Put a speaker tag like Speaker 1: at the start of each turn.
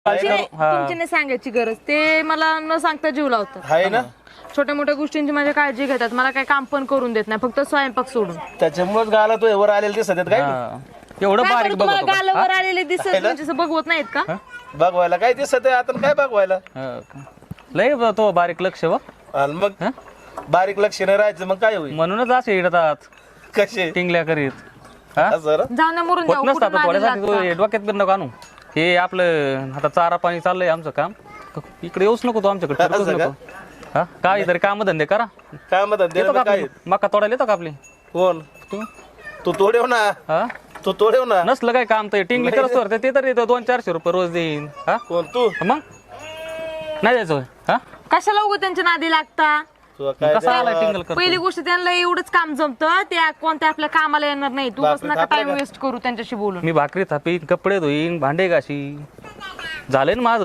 Speaker 1: तुमची नाही सांगायची गरज, ते मला न सांगता जीव लावतात.
Speaker 2: आहे ना,
Speaker 1: छोट्या मोठ्या गोष्टींची माझी काळजी घेतात, मला काही काम पण करून देत नाही, फक्त स्वयंपाक सोडून.
Speaker 2: त्याच्यामुळेच गाला तो वर आलेले दिसत आहेत काय
Speaker 3: हा. एवढं
Speaker 1: काय
Speaker 3: बारीक
Speaker 1: बरं, तुम्हाला
Speaker 3: बघतो का?
Speaker 1: गालावर आलेले दिसत म्हणजे असं बघवत नाहीत का?
Speaker 2: बघवायला काय दिसत आहे आता, काय बघवायला.
Speaker 3: हा का? लय तो बारीक लक्ष व
Speaker 2: आणि मग बारीक लक्ष नाही राहायचं, मग काय होईल.
Speaker 3: म्हणूनच असे येतात
Speaker 2: कसे
Speaker 3: टिंगल्या करीत. हा?
Speaker 2: सर
Speaker 1: जाऊ ना मरून
Speaker 3: होत
Speaker 1: जाऊ,
Speaker 3: नसतात
Speaker 1: कुठं
Speaker 3: थोड्यासाठी
Speaker 1: नादी लागता.
Speaker 3: डोक्यात बिर नको आणू. हे आपलं आता चारा पाणी चाललंय आमचं काम, इकडे येऊच नको तू आमच्याकडे, फिरकूच
Speaker 2: असं का?
Speaker 3: नको. हा काय तरी काम धंदे करा.
Speaker 2: काय म्हणतात
Speaker 3: येतो का
Speaker 2: काय
Speaker 3: आपली? मका तोडायला येतो का आपली?
Speaker 2: कोण
Speaker 3: तू
Speaker 2: तू तोडेव ना,
Speaker 3: हा
Speaker 2: तू तोडेव ना.
Speaker 3: नसलं काय काम तर टिंगली करत तर ते तर येतो 200-400 रुपये रोज देईन. हा
Speaker 2: कोण तू
Speaker 3: मग नाही द्यायचं हा
Speaker 1: कशाला उगं त्यांच्या नादी लागता?
Speaker 2: तुला काय
Speaker 3: कसा आला टिंगल कर
Speaker 1: पहिली गोष्ट त्यांना एवढंच काम जमतं, त्या कोणत्या आपल्या कामाला येणार नाही. तू बस नका टाइम वेस्ट करू त्यांच्याशी बोलून.
Speaker 3: मी भाकरी थापीन, कपडे धुईन, भांडे घाशी, झाले ना माझं.